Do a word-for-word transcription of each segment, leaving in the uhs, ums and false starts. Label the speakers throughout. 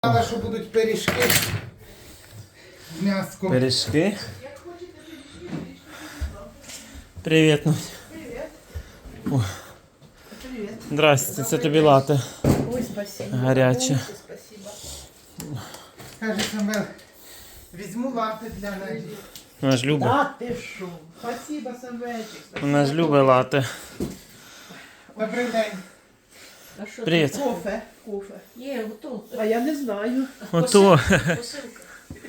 Speaker 1: Сказала, що будуть пиріжки з м'яском.
Speaker 2: Пиріжки. Привіт, Надь.
Speaker 3: Привет. Привет.
Speaker 2: Здрасте, це тобі лате.
Speaker 3: Ой, спасибо.
Speaker 2: Гаряче.
Speaker 3: Ой, спасибо.
Speaker 1: Каже Самвел, візьму лати для неї.
Speaker 2: Вона ж любить.
Speaker 3: Да ты шо? Спасибо, Самвельчик.
Speaker 2: Вона ж любить лате.
Speaker 1: Добрий день.
Speaker 3: А що
Speaker 2: Привіт.
Speaker 3: ти? Кофе. Кофе. Є, готов. А я не знаю.
Speaker 2: Ото.
Speaker 3: Посилка.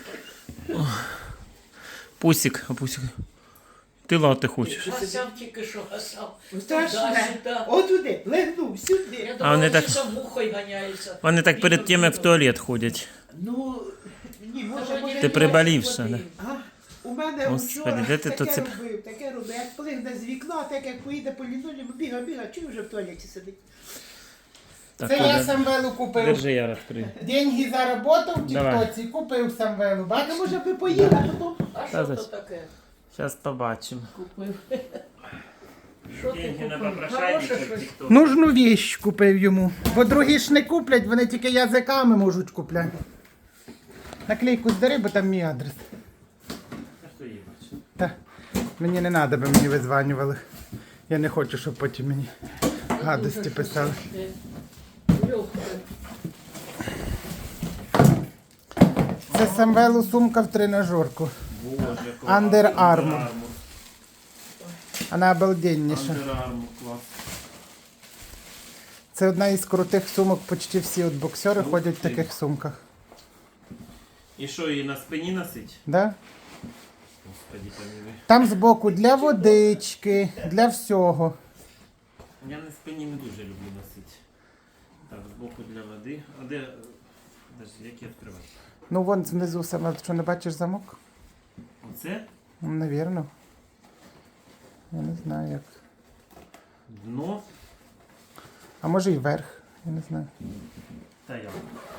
Speaker 2: Пусик, а пусик. Ти лате хочеш.
Speaker 4: Гасав тільки що гасав.
Speaker 3: Страшне.
Speaker 4: Сюди.
Speaker 3: Отуди, легнув, сюди.
Speaker 4: Я
Speaker 2: А вони
Speaker 4: думала,
Speaker 2: так-
Speaker 4: що сам мухою ганяється.
Speaker 2: Вони так перед тим, як в туалет ходять.
Speaker 3: Ну, ні, може,
Speaker 4: Може,
Speaker 3: може.
Speaker 2: Ти приболівша,
Speaker 4: води.
Speaker 2: да?
Speaker 3: А, у мене
Speaker 2: Господи,
Speaker 3: вчора
Speaker 2: де ти
Speaker 3: таке
Speaker 2: то це-
Speaker 3: робив, таке робив. Як плигне з вікна, так як поїде по лінолеуму, біга, біга, чую вже в туалеті сидить.
Speaker 2: Так,
Speaker 1: Це я
Speaker 2: Оля,
Speaker 1: Самвелу купив.
Speaker 2: держи, я розкрию.
Speaker 1: Деньги заработав в
Speaker 2: Давай.
Speaker 1: тіктоці, купив Самвелу.
Speaker 3: Так,
Speaker 1: Бачите?
Speaker 3: може би поїла, а потім...
Speaker 4: А
Speaker 2: Та
Speaker 4: що
Speaker 2: за
Speaker 4: то
Speaker 2: що?
Speaker 4: таке?
Speaker 2: Зараз побачимо.
Speaker 4: Купив. Що ти
Speaker 2: Деньги на
Speaker 4: купив?
Speaker 2: попрошайника
Speaker 4: Хороше
Speaker 2: в
Speaker 4: щось.
Speaker 2: TikTok.
Speaker 1: Нужну віщ купив йому. Бо другі ж не куплять, вони тільки язиками можуть купляти. Наклейку здари, бо там мій адрес.
Speaker 2: А хто її бачить?
Speaker 1: Та мені не треба, би мені визванювали. Я не хочу, щоб потім мені гадості
Speaker 4: Дуже
Speaker 1: писали.
Speaker 4: щось таке. Легке.
Speaker 1: Це Самвелу сумка в тренажерку.
Speaker 2: Боже, клас.
Speaker 1: Under Armour.
Speaker 2: Armour.
Speaker 1: Вона обалденніша.
Speaker 2: Under Armour, клас.
Speaker 1: Це одна із крутих сумок, почти всі от боксери
Speaker 2: Ух
Speaker 1: ходять в
Speaker 2: ти.
Speaker 1: таких сумках.
Speaker 2: І що, її на спині носить?
Speaker 1: Да?
Speaker 2: Господи, помилуй.
Speaker 1: Там збоку для водички, для всього.
Speaker 2: Я на спині не дуже люблю носити. Так, збоку для води. А де. Подожди, як я відкриваю?
Speaker 1: Ну вон знизу саме, що не бачиш замок?
Speaker 2: Оце
Speaker 1: Ну, навірно. Я не знаю як.
Speaker 2: дно
Speaker 1: А може і верх, я не знаю.
Speaker 2: та я.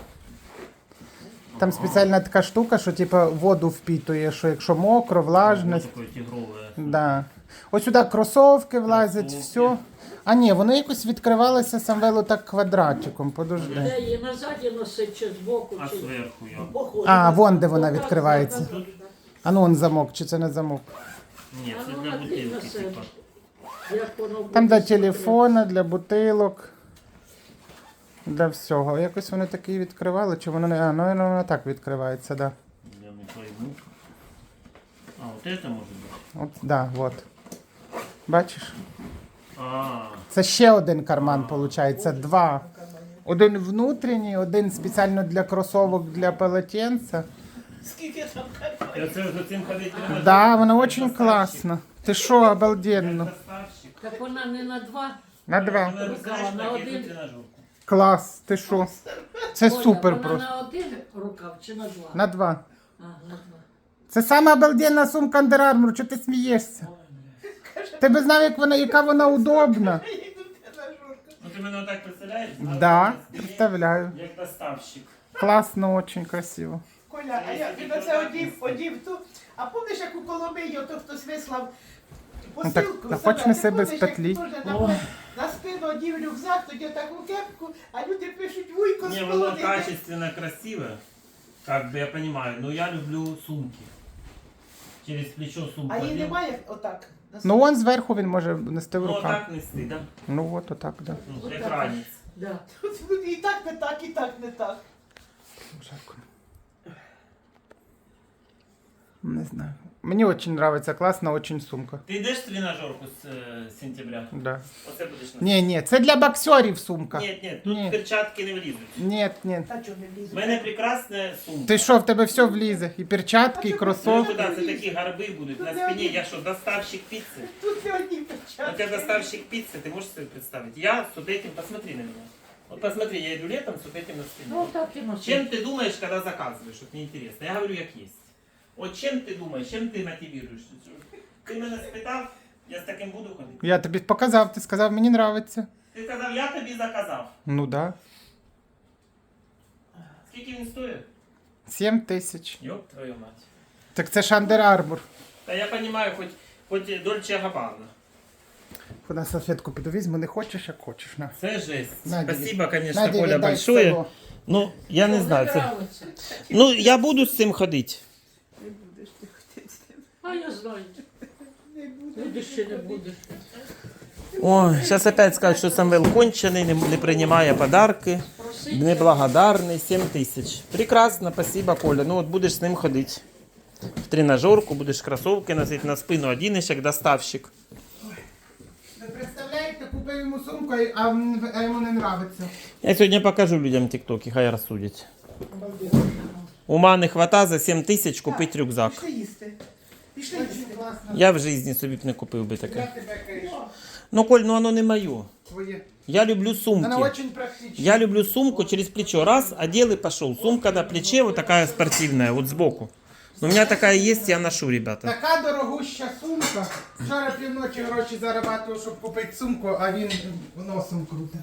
Speaker 1: Там спеціальна така штука, що типу воду впітує, що якщо мокро, влажність.
Speaker 2: Таке тигрове.
Speaker 1: Да. Ось сюди кросовки влазять,
Speaker 2: Кросовки.
Speaker 1: все. А ні, воно якось відкривалося Самвелу так квадратиком, подожди.
Speaker 4: Де її назаді носить чи збоку,
Speaker 2: А
Speaker 4: чи...
Speaker 2: зверху я.
Speaker 4: Походу.
Speaker 1: А, вон де вона
Speaker 4: Отак,
Speaker 1: відкривається.
Speaker 4: так, так,
Speaker 1: А ну он замок, чи це не замок?
Speaker 2: Ні,
Speaker 4: А
Speaker 2: це
Speaker 4: ну,
Speaker 2: для
Speaker 4: накинь
Speaker 2: бутилки,
Speaker 4: на себе.
Speaker 2: типа.
Speaker 4: так. Як воно буде
Speaker 1: Там для
Speaker 4: смотрети.
Speaker 1: телефона, для бутилок, для всього. Якось вони такі відкривали, чи воно не. А, ну воно воно так відкривається, да.
Speaker 2: Я не пойму. А, вот это может быть?
Speaker 1: От, да, от. Бачиш?
Speaker 2: А,
Speaker 1: Це ще один карман, виходить, два. Один внутрішній, один спеціально для кросовок, для полотенця.
Speaker 3: Скільки там
Speaker 2: я це за цим ходити не можу.
Speaker 1: Да, воно дуже класно. Ти що, обалденно.
Speaker 2: Доставщик.
Speaker 4: Так вона не на два.
Speaker 1: На два.
Speaker 2: Вона, знаєш,
Speaker 4: на
Speaker 2: так,
Speaker 4: один.
Speaker 2: як тренажерку.
Speaker 1: Клас, ти що? Це
Speaker 4: Оля,
Speaker 1: супер
Speaker 4: вона
Speaker 1: просто.
Speaker 4: на один рукав чи на два?
Speaker 1: На два.
Speaker 4: А, на два.
Speaker 1: Це сама обалденна сумка Under Armour, чого ти смієшся? Ти би знав, як вона, яка вона удобна.
Speaker 2: Ну ти мене отак представляєш?
Speaker 1: Да, представляю.
Speaker 2: Як доставщик.
Speaker 1: Класно, дуже красиво.
Speaker 3: Коля, а я ти на це одів, одів ту. А помниш, як у Коломиї, ото хтось вислав
Speaker 1: Ну, так,
Speaker 3: посилку?
Speaker 1: та
Speaker 3: Себе?
Speaker 1: хоч неси
Speaker 3: Ти
Speaker 1: без
Speaker 3: помниш, як
Speaker 1: петлі.
Speaker 3: теж на, на спину одів рюкзак, тоді таку кепку, а люди пишуть вуйко з
Speaker 2: Не, воно
Speaker 3: полонини.
Speaker 2: качественно, красиво. Как бы я понимаю, но я люблю сумки. Через плечо сумку.
Speaker 3: А її
Speaker 2: одел.
Speaker 3: немає отак? на
Speaker 1: Ну, он зверху він може нести в
Speaker 2: Ну,
Speaker 1: руках.
Speaker 2: так нести, да?
Speaker 1: Ну, от отак, да.
Speaker 2: Ну, як
Speaker 4: Отак.
Speaker 2: ранець.
Speaker 4: Да.
Speaker 3: спині? І так не так, і так не так.
Speaker 1: Жарко. Не знаю. Мені дуже подобається, класна дуже сумка.
Speaker 2: Ти йдеш в тренажерку з е, сентября?
Speaker 1: Да.
Speaker 2: Оце будеш носити?
Speaker 1: Ні, ні, це для боксерів сумка.
Speaker 2: Ні, ні, тут
Speaker 1: Ні.
Speaker 2: перчатки не влізуть.
Speaker 1: Ні, ні.
Speaker 3: Та чого не
Speaker 2: У
Speaker 3: влізу?
Speaker 2: мене прекрасна сумка.
Speaker 1: Ти що, в тебе все влізе? І перчатки, і
Speaker 2: Ну,
Speaker 1: кросовки.
Speaker 2: куди? Це такі гарби будуть на спині. Я що, доставщик піци?
Speaker 3: Тут не одні
Speaker 2: Вот
Speaker 3: печатки.
Speaker 2: я доставщик пиццы, ты можешь себе представить? Я с вот этим, посмотри на меня. Вот посмотри, я иду летом с вот этим на спине.
Speaker 4: Ну так і носить.
Speaker 2: Чем ты думаешь, когда заказываешь? Вот мне интересно. Я говорю, как есть. Вот чем ты думаешь, чем ты мотивируешь? Ти мене спитав, я з таким буду ходити.
Speaker 1: Я тобі показав, ти сказав, мені подобається.
Speaker 2: Ти сказав, я тобі заказав.
Speaker 1: Ну да.
Speaker 2: Скільки він стоїть?
Speaker 1: Сім тисяч.
Speaker 2: Ёб твою мать.
Speaker 1: Так це ж Under Armour.
Speaker 2: Та я понимаю, хоть, хоть Дольче Габбана.
Speaker 1: Куди салфетку піду візьму, не хочеш, як хочеш. На.
Speaker 2: Це жесть.
Speaker 1: Надя,
Speaker 2: Спасибо, конечно,
Speaker 1: Наді,
Speaker 2: Коля,
Speaker 1: віддай
Speaker 2: большое.
Speaker 1: село.
Speaker 2: Ну, я не
Speaker 4: Що,
Speaker 2: знаю. Це...
Speaker 4: нравиться?
Speaker 2: Ну, я буду з цим ходити.
Speaker 3: Не будеш ти ходити з ним.
Speaker 4: А я знаю.
Speaker 3: Не будеш.
Speaker 4: Будеш чи не будеш.
Speaker 2: Ой, зараз опять скажуть, що Самвел кончений, не, не приймає подарки,
Speaker 4: Просить.
Speaker 2: неблагодарний, сім тисяч. Прекрасно, спасибо, Коля. Ну от будеш з ним ходити. В тренажерку, будеш кросовки носити на спину, одінеш як доставщик.
Speaker 1: Ви представляєте, купив йому сумку, а, м- а йому не нравиться.
Speaker 2: Я сьогодні покажу людям тіктоки, хай розсудять. Ума не хвата за сім тисяч купити рюкзак.
Speaker 3: Пішли їсти. Пішли їсти.
Speaker 1: Класно.
Speaker 2: Я в житті собі б не купив би
Speaker 1: Я
Speaker 2: таке.
Speaker 1: тебе кажу.
Speaker 2: Ну, Коль, ну воно не моє.
Speaker 1: Твоє.
Speaker 2: Я люблю
Speaker 1: Вона
Speaker 2: сумки.
Speaker 1: очень практична.
Speaker 2: Я люблю сумку через плечо. Раз, одел и пошел. Сумка на плече вот такая спортивная, вот сбоку. У меня такая есть, я ношу, ребята.
Speaker 1: Така дорогуща сумка. Вчора півночі гроші зарабатував, щоб купити сумку, а він носом круте.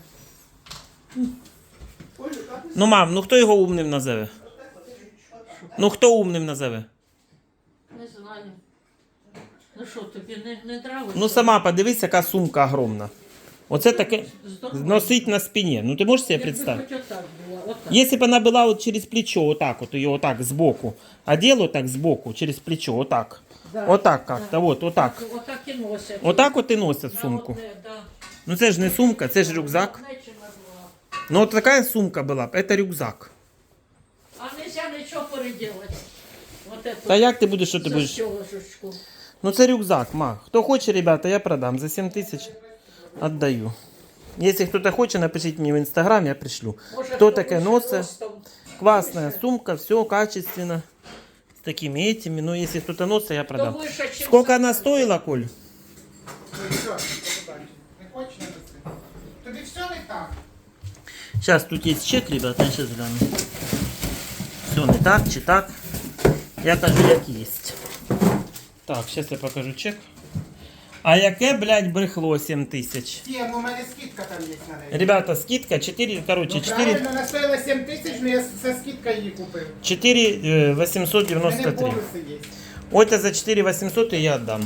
Speaker 3: Олю, так?
Speaker 2: Ну, мам, ну хто його умним назове? Ну хто умним назове?
Speaker 4: Не знаю. Ну що, тобі не, не нравиться?
Speaker 2: Ну сама подивись, яка сумка огромна. Оце таке
Speaker 4: Здорово.
Speaker 2: носить на спине. Ну ти можеш себе
Speaker 4: Якби
Speaker 2: представити?
Speaker 4: хоч отак було, отак.
Speaker 2: Если бы она была вот через плечо, вот так вот, ее вот так сбоку, одел вот так сбоку, через плечо, вот так.
Speaker 4: Да.
Speaker 2: Вот так как-то, вот, вот так.
Speaker 4: Отак і носять.
Speaker 2: Вот так вот и носят
Speaker 4: Да,
Speaker 2: сумку.
Speaker 4: одне, да.
Speaker 2: Ну це ж не сумка, це ж рюкзак.
Speaker 4: Одне чи на два.
Speaker 2: Ну вот такая сумка была б, это рюкзак.
Speaker 4: А нельзя нічого переделати. Вот это.
Speaker 2: Та як ти будеш, що ти будеш?
Speaker 4: Застёгнуточку.
Speaker 2: Ну це рюкзак, ма. Хто хоче, ребята, я продам. За сім тисяч отдаю. Если кто-то хочет, напишите мне в инстаграм, я пришлю.
Speaker 4: Може,
Speaker 2: Хто
Speaker 4: хто
Speaker 2: таке
Speaker 4: вище
Speaker 2: носить?
Speaker 4: ростом.
Speaker 2: Классная сумка, все качественно. С такими этими. Но если кто-то носит, я
Speaker 4: Хто
Speaker 2: продам.
Speaker 4: вище, чим
Speaker 2: Сколько она
Speaker 4: сам.
Speaker 2: стоила, Коль?
Speaker 1: Ну і що? Не хочеш не носи? Тобі все не так.
Speaker 2: Сейчас тут есть чек, ребята, я сейчас гляну. Все не так, чи так. Я кажу, як есть. Так, сейчас я покажу чек. А яке, блядь, брехло сім тисяч?
Speaker 1: Ні, ну у мене скидка там є на неї.
Speaker 2: Ребята, скидка чотири, короче,
Speaker 1: Ну,
Speaker 2: чотири,
Speaker 1: правильно, вона стоїла сім тисяч, але я за скидкою її купив.
Speaker 2: чотири
Speaker 1: У
Speaker 2: вісімсот
Speaker 1: мене
Speaker 2: дев'яносто три.
Speaker 1: бонуси є.
Speaker 2: Ось за чотири вісімсот і я віддам.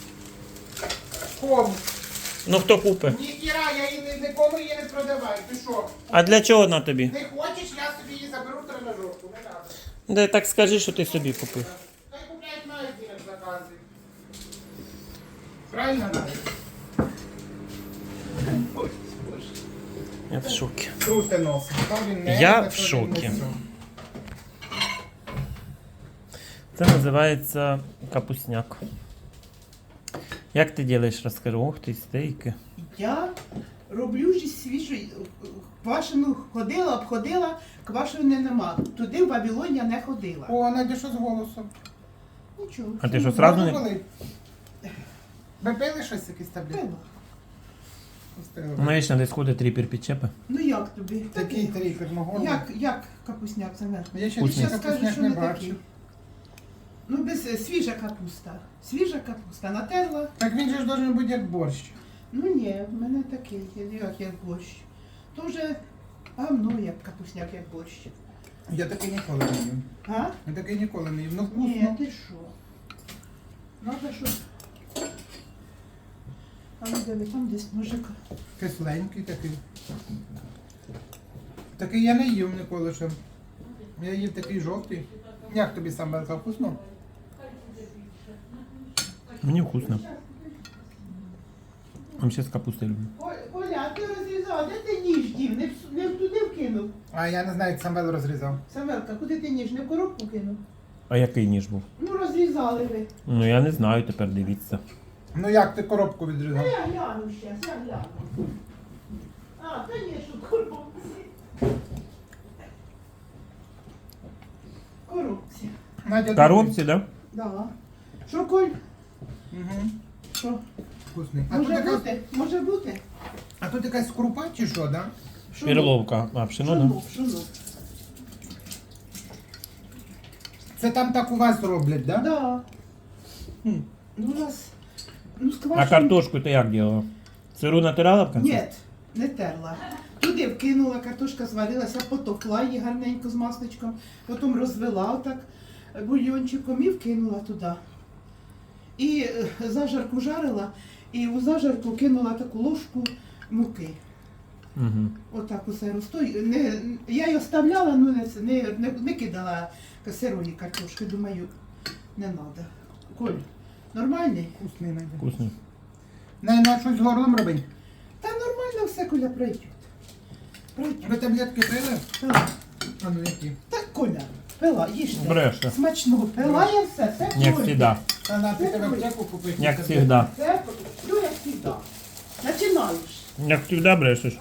Speaker 1: Кому?
Speaker 2: Ну хто купить?
Speaker 1: Ні, Кіра, я її ні- нікому її не продаваю. Ти що?
Speaker 2: А для чого вона тобі?
Speaker 1: Не хочеш, я собі її заберу в тренажерку. Не треба.
Speaker 2: Да так скажи, що ти собі купив.
Speaker 1: Хай купляють на як закази. Правильно, Надя?
Speaker 2: Я в шокі.
Speaker 1: Круте нос. То він не,
Speaker 2: Я
Speaker 1: то
Speaker 2: в
Speaker 1: він
Speaker 2: шокі.
Speaker 1: не все.
Speaker 2: Це називається капусняк. Як ти робиш, розкажи. Ох ти, стейки.
Speaker 3: Я роблю ж свіжу квашену ходила, обходила, квашеної нема. Туди в Вавилон я не ходила.
Speaker 1: О, Надя, що з голосом?
Speaker 3: Нічого.
Speaker 2: А ти що, сразу не...
Speaker 1: Були? Ви пили щось, якісь таблетки?
Speaker 3: Пила.
Speaker 1: Пустили.
Speaker 2: Ну, вічно десь ходить три перпічепи.
Speaker 3: Ну як тобі?
Speaker 1: Такий тріпер мого.
Speaker 3: Як, як капусняк замер?
Speaker 1: Я ще
Speaker 2: Вкусний.
Speaker 1: ще
Speaker 3: Щас скажу,
Speaker 1: капусняк
Speaker 3: що
Speaker 1: не
Speaker 3: не
Speaker 1: бачу.
Speaker 3: такий. Ну, без е, свіжа капуста. Свіжа капуста. Натерла.
Speaker 1: Так він же ж должен бути як борщ.
Speaker 3: Ну ні, в мене такий, як, як борщ. То вже гамно, як капусняк, як борщ.
Speaker 1: Я такий ніколи не їм.
Speaker 3: А?
Speaker 1: Я такий ніколи не їм. Ну
Speaker 3: Ні,
Speaker 1: вкусно.
Speaker 3: ти що? Надо що? А ну диви, там десь ножик.
Speaker 1: Кисленький такий. Такий я не їв ніколи ще. Я їв такий жовтий. Як тобі сам Белка, вкусно?
Speaker 2: Мені вкусно. А ще з капустою люблю.
Speaker 3: О- Оля, а ти розрізала, де ти ніж дів? Не, в- не туди вкинув?
Speaker 1: А я не знаю, як сам Бел розрізав.
Speaker 3: Самелка, куди ти ніж? Не в коробку кинув?
Speaker 2: А який ніж був?
Speaker 3: Ну розрізали ви.
Speaker 2: Ну я не знаю, тепер дивіться.
Speaker 1: Ну як ти коробку відрізав?
Speaker 3: А я гляну щас, я гляну. А, звісно, в коробці. В коробці.
Speaker 1: Надя,
Speaker 2: В коробці, да?
Speaker 3: Да. Що, Коль?
Speaker 1: Угу.
Speaker 3: Що?
Speaker 1: Вкусний. А тут,
Speaker 3: Може
Speaker 1: якась,
Speaker 3: бути? Може бути?
Speaker 1: а тут якась крупа чи що, да?
Speaker 3: Що
Speaker 2: Перловка. А, пшено, да?
Speaker 3: Шунув, шунув.
Speaker 1: Це там так у вас роблять, да?
Speaker 3: Да.
Speaker 1: Хм.
Speaker 3: Ну, у нас... Ну,
Speaker 2: А
Speaker 3: сквашений...
Speaker 2: картошку ти як робила? Сиру натирала в кінці?
Speaker 3: Ні, не терла. Туди вкинула, картошка зварилася, потовкла її гарненько з масличком, потім розвела отак бульйончиком і вкинула туди. І е, зажарку жарила, і у зажарку кинула таку ложку муки.
Speaker 2: Угу.
Speaker 3: Отак усе розтою. Не, я її оставляла, ну не, не, не, не кидала сирої картошки, думаю, не треба. Коль, нормальний?
Speaker 1: Вкусний найде.
Speaker 2: Вкусний.
Speaker 1: Не, на щось з горлом робить.
Speaker 3: Та нормально все, Коля, пройде. Пройде.
Speaker 1: Ви таблетки пили?
Speaker 3: Так.
Speaker 1: А ну які?
Speaker 3: Так, Коля, пила, їжте.
Speaker 2: Бреше.
Speaker 3: Смачно, пила я все, все
Speaker 2: Як
Speaker 3: пройде.
Speaker 2: завжди.
Speaker 1: А на ти тебе аптеку купити?
Speaker 2: Як завжди.
Speaker 3: Все, все як завжди. Починаєш.
Speaker 2: Як завжди брешеш.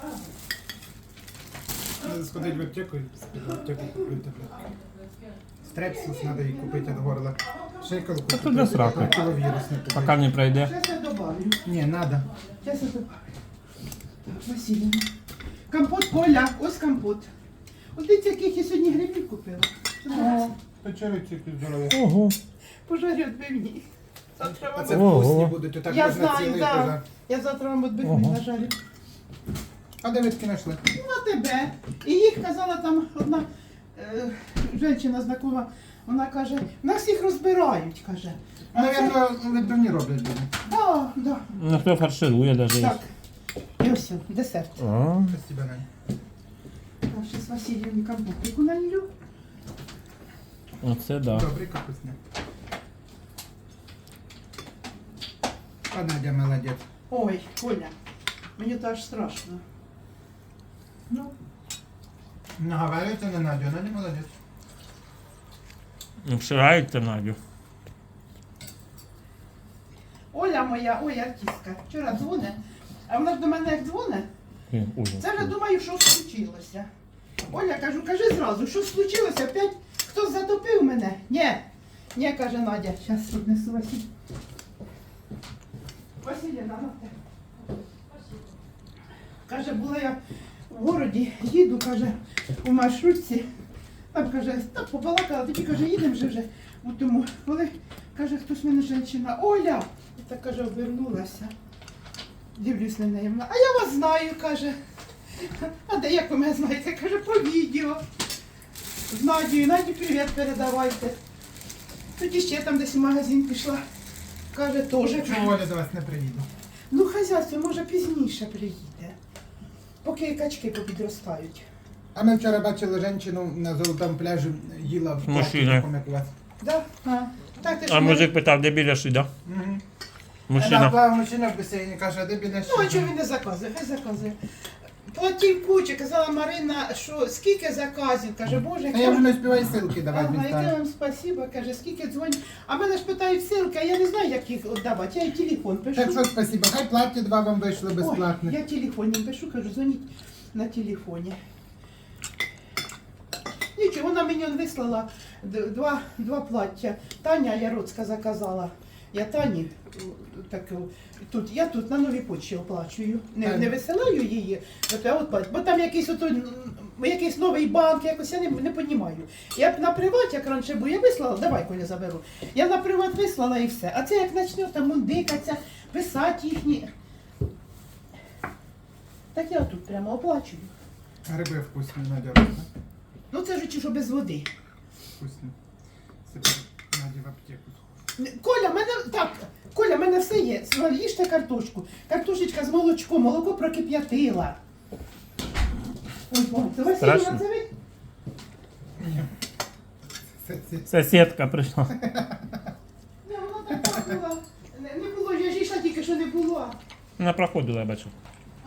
Speaker 1: Надо сходити в аптеку і в аптеку купити таблетки. Стрепсис треба їй купити від горла. Шейкалку
Speaker 2: Та тут для сраки.
Speaker 1: Кіловірус не купити.
Speaker 2: Поки не пройде.
Speaker 3: Зараз я добавлю.
Speaker 1: Ні, надо.
Speaker 3: Зараз я добавлю. Так, Василіна. Компот, Коля, ось компот. Ось дивіться, яких я сьогодні грибів купила.
Speaker 1: Печериці здорові.
Speaker 2: Ого.
Speaker 3: Пожарю відбивні. Завтра
Speaker 1: А
Speaker 3: вам...
Speaker 1: це
Speaker 2: Ого.
Speaker 1: вкусні будуть, так
Speaker 3: Я
Speaker 1: можна
Speaker 3: знаю,
Speaker 1: цілий
Speaker 3: да.
Speaker 1: пожар.
Speaker 3: Я завтра вам відбивні
Speaker 2: Ого.
Speaker 3: нажарю.
Speaker 1: А де ви таки знайшли?
Speaker 3: Ну, на тебе. І їх казала там одна е, жінка знакома, вона каже, нас їх розбирають, каже. А це-
Speaker 1: Навірно, відбивні роблять люди.
Speaker 3: Да, да.
Speaker 2: Ну хто фарширує навіть.
Speaker 3: Так. І ось він, десерт.
Speaker 2: А,
Speaker 1: Спасибо, Нань.
Speaker 3: Я ще з Василієм компотику налью.
Speaker 2: Оце да.
Speaker 1: Добрий, капусня. А Надя молодець.
Speaker 3: Ой, Коля, мені то аж страшно. Ну,
Speaker 1: Наговарюється на Надю, Надя молодець.
Speaker 2: Вширається Надю.
Speaker 3: Оля моя, ой, артистка, вчора дзвоне, а вона ж до мене як дзвоне,
Speaker 2: Ой, ужас.
Speaker 3: це вже думаю, що случилося. Оля, кажу, кажи зразу, що случилося, опять хтось затопив мене? Ні, ні, каже Надя, зараз тут несу Василь. Василіна, на те. Каже, була я в городі, їду, каже, у маршрутці. Там каже, так побалакала, тоді каже, їдемо вже вже. У тому, коли каже, хтось мене жінка, Оля, і так каже, обернулася. Дивлюсь на неї, вона, а я вас знаю, каже. А де як ви мене знаєте? Каже, по відео. З Надією, Наді привіт передавайте. Тоді ще там десь в магазин пішла. Каже, теж.
Speaker 1: Чого Оля до вас не приїде?
Speaker 3: Ну, хазяйство, може, пізніше приїде. Поки качки попідростають.
Speaker 1: А ми вчора бачили жінку на золотому пляжі, їла в
Speaker 2: Мужчина.
Speaker 1: платі, такому, як у вас.
Speaker 3: Да? А, так, ти ж
Speaker 2: А
Speaker 3: мене-
Speaker 2: мужик питав, де біля шида?
Speaker 1: Угу.
Speaker 2: Мужчина.
Speaker 1: Плавав мужчина в басейні, каже, а де біля
Speaker 3: Ну, а чого він не заказує? Хай заказує. Платів куча, казала Марина, що скільки заказів, каже, Боже,
Speaker 1: А я вже не успіваю ссылки давати
Speaker 3: Ага, яке
Speaker 1: містами.
Speaker 3: вам спасибо, каже, скільки дзвонять. А мене ж питають ссылки, а я не знаю, як їх віддавати. Я й телефон пишу.
Speaker 1: Так що спасибо, хай платі два вам вийшли
Speaker 3: Ой,
Speaker 1: безплатно.
Speaker 3: я телефон їм пишу, кажу, дзвоніть на телефоні. Нічого, вона мені он вислала д- два, два плаття. Таня Яроцька заказала. Я Тані таку, тут, я тут на новій почті оплачую. Не,
Speaker 1: Так.
Speaker 3: не висилаю її, от я оплачу. Бо там якийсь ото, м, якийсь новий банк, якось я не, не розумію. Я б на приват, як раніше був, я вислала, давай, Коля, заберу. Я на приват вислала і все. А це як почне там мундикаться, писати їхні. Так я тут прямо оплачую.
Speaker 1: Гриби вкусні, Надя робить.
Speaker 3: Ну це ж чи що без води.
Speaker 1: Вкусні. Сипи, Надя в аптеку.
Speaker 3: Коля, в мене так, Коля, в мене все є. Їжте картошку. Картошечка з молочком, молоко прокип'ятила. Ой, ой, це Василіна,
Speaker 2: Страшно.
Speaker 3: це ви?
Speaker 1: Це- це-
Speaker 2: Сусідка прийшла.
Speaker 3: Ні, вона так пахнула. Не, не було, я ж йшла тільки, що не було.
Speaker 2: Вона проходила, я бачу.
Speaker 3: А.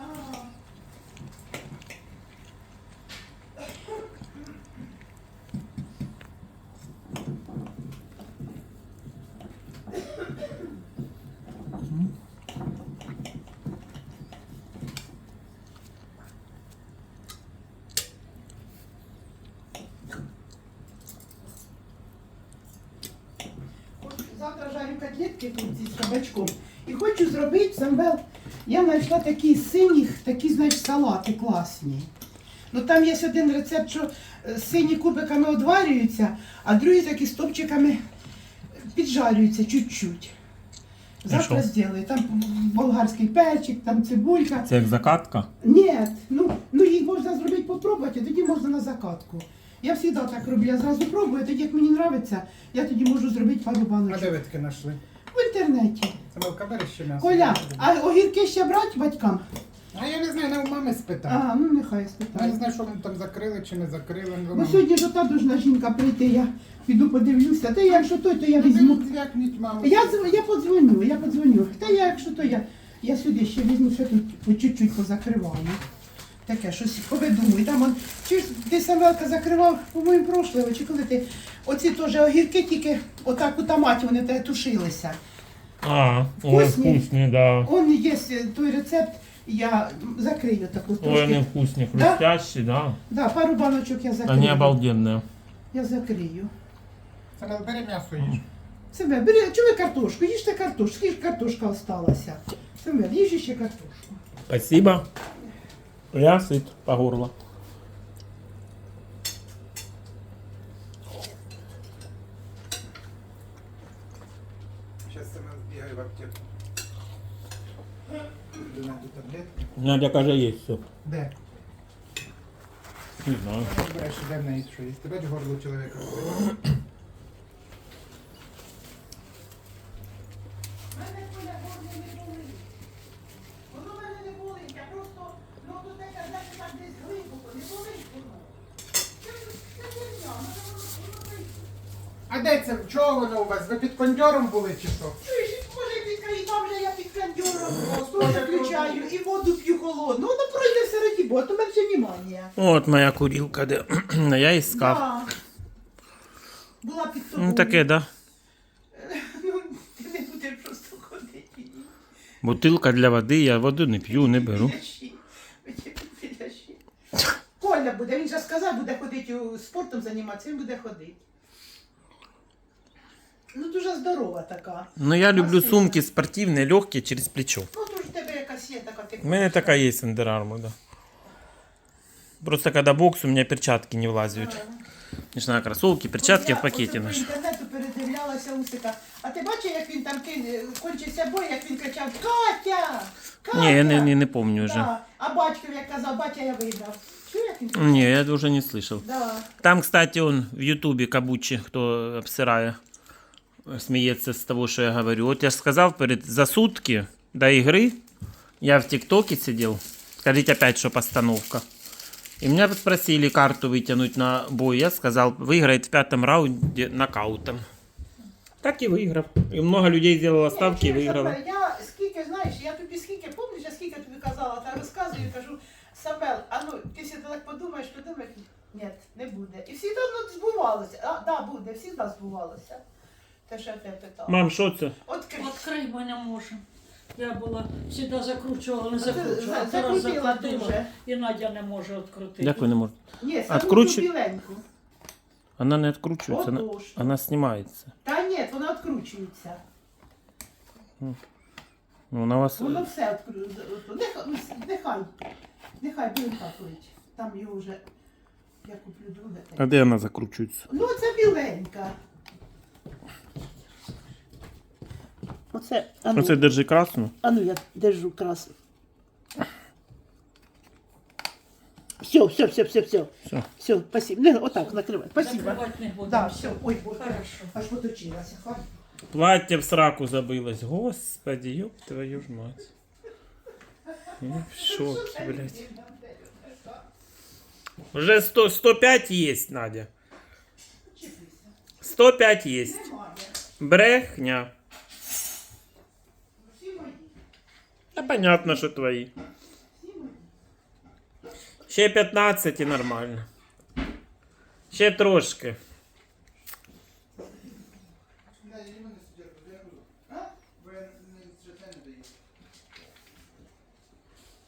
Speaker 3: От Завтра жарю котлетки тут зі кабачком. І хочу зробити самбел. Я знайшла такі синіх, такі, знаєш, салати класні. Ну там є один рецепт, що е, сині кубиками одварюються, а другі такі стопчиками піджарюються чуть-чуть. Завтра
Speaker 2: що?
Speaker 3: зроблю. Там болгарський перчик, там цибулька.
Speaker 2: Це як закатка.
Speaker 3: Ні, ну, ну їх можна зробити попробувати, а тоді можна на закатку. Я завжди так роблю, я зразу пробую, тоді як мені подобається, я тоді можу зробити пару
Speaker 1: А
Speaker 3: баночок.
Speaker 1: де ви таки знайшли?
Speaker 3: В інтернеті.
Speaker 1: Самилка, бери ще м'ясо.
Speaker 3: Коля, а огірки ще брать батькам?
Speaker 1: А я не знаю, не у мами спитав.
Speaker 3: А, ну нехай
Speaker 1: Я не
Speaker 3: спитаю.
Speaker 1: знаю, що вони там закрили чи не закрили. Не
Speaker 3: Бо
Speaker 1: думаю.
Speaker 3: сьогодні ж ота должна жінка прийти, я піду подивлюся. Та я, якщо той, то я візьму.
Speaker 1: Ну, звякніть, маму.
Speaker 3: Я, дз- я подзвоню, я подзвоню. Та я, якщо то я, я сюди ще візьму, ще тут по чуть-чуть позакриваю. Таке, щось повидумую. Там он, чи ж ти Самвелка закривав, по-моєму, прошлого, чи коли ти, оці теж огірки тільки отак у томаті вони те тушилися.
Speaker 2: А,
Speaker 3: Вкусні?
Speaker 2: ой, вкусні, да.
Speaker 3: Он є той рецепт, я закрию таку
Speaker 2: Ой, они
Speaker 3: трошки.
Speaker 2: вкусные,
Speaker 3: Да?
Speaker 2: хрустящие, да.
Speaker 3: Да, пару баночок я закрию.
Speaker 2: Они обалденные.
Speaker 3: Я закрию.
Speaker 1: Самил, бери м'ясо їж.
Speaker 3: Себе, бери, чому ви картошку? Їжте картошку, скільки картошка осталася. Себе, їж ще картошку.
Speaker 2: Спасибо. Я сыт по горло.
Speaker 1: Зараз Самил збігає в аптеку. Знайду таблетки.
Speaker 2: Надя, каже, есть все.
Speaker 1: Де?
Speaker 2: Не знаю.
Speaker 1: Береш, де в неї що є. Ти бачиш горло чоловіка?
Speaker 3: Мене Коля горло не болить. Воно мене не болить, я просто, ну тут таке, знаєте, так десь глибоко, не болить воно. Це це херня, воно воно прийде.
Speaker 1: А де це? Чого воно у вас? Ви під кондьором були чи що?
Speaker 3: Чуєш, може під і там же я під кондьором просто включаю і воду п'ю холодну. Воно пройде все раді, бо то менше внимання.
Speaker 2: Вот моя курилка, де я искав.
Speaker 3: Да. Була під тобою.
Speaker 2: Ну таке, да.
Speaker 3: Ну, ти не будеш просто ходити.
Speaker 2: Бутилка для води, я воду не п'ю, не беру.
Speaker 3: Підлящі. Підлящі. Коля буде, він же сказав, буде ходити у- спортом займатися, він буде ходити. Ну, дуже здорова така.
Speaker 2: Ну я люблю
Speaker 3: Спасибо.
Speaker 2: сумки спортивні, легкі, через плечо.
Speaker 3: Ну, то ж в тебе якась є така. Ти
Speaker 2: У меня такая есть Under Armour, да. Просто когда бокс, у меня перчатки не влазят. Начинаю кроссовки, перчатки в пакете
Speaker 3: Я
Speaker 2: наши.
Speaker 3: по інтернету передивлялася Усика. А ти бачив, як він там кин- кончився бой, як він кричав «Катя! Катя!»
Speaker 2: Не, я не, не, не помню уже.
Speaker 3: Да. А батько, як казав, батя, я виграв. Чув, як він кричав?
Speaker 2: Не, я это уже не слышал.
Speaker 3: Да.
Speaker 2: Там, кстати, он в Ютубе Кабучи, кто обсирая, смеется с того, что я говорю. Вот я же сказал, перед, за сутки до игры я в ТикТоке сидел. Скажите опять, что постановка. И меня спросили карту вытянуть на бой. Я сказал, выиграет в пятом раунде нокаутом. Так и выиграл. И много людей сделало ставки и
Speaker 3: Ні,
Speaker 2: выиграло.
Speaker 3: Самвел, я скільки, знаєш, я тобі скільки, пам'ятаєш, я скільки тобі казала, та розказую, кажу, Самвел, а ну, ти си так подумаєш, подумаєш, ні, не буде. І всі давно збувалося. А, да, буде, всі збувалося. Те, що я тебе питала.
Speaker 2: Мам, что это?
Speaker 3: От кричь.
Speaker 4: Відкрий, бо не може. Я була, завжди закручувала, не
Speaker 3: А ти
Speaker 4: закручувала.
Speaker 3: за-
Speaker 4: Зараз
Speaker 3: закрутила
Speaker 4: закрутила,
Speaker 3: дуже.
Speaker 4: і Надя не може відкрутити.
Speaker 2: Як ви не можете?
Speaker 3: Ні, саму
Speaker 2: Откручу-
Speaker 3: ту біленьку.
Speaker 2: Она не откручивается, она,
Speaker 3: Отож.
Speaker 2: она снимается.
Speaker 3: Та ні, вона відкручується.
Speaker 2: Ну, она у вас...
Speaker 3: Воно все відкручується. Нехай, ну, нехай, нехай біленька клич. Там його вже, я куплю друге.
Speaker 2: А где она закручивается?
Speaker 3: Ну, це біленька. Оце, а ну,
Speaker 2: Оце держи красну.
Speaker 3: а ну я держу красу. Все, все, все, все, все.
Speaker 2: Все.
Speaker 3: Все, спасибо. Не, отак, накривай. Спасибо.
Speaker 4: Закривати не будемо.
Speaker 3: Да, все. Ой, боже.
Speaker 4: Хорошо.
Speaker 3: Аж поточилася. Хватит.
Speaker 2: Платье в сраку забылось. Господи, ёб твою ж мать. Я в шоке, блядь. Уже сто, сто пять есть, Надя. сто пять есть.
Speaker 3: Немає.
Speaker 2: Брехня.
Speaker 3: Всі мої.
Speaker 2: Да понятно, что твои.
Speaker 3: Всі мої.
Speaker 2: Ще пятнадцать и нормально. Ще трошки.
Speaker 1: Да, я не можу сидіти.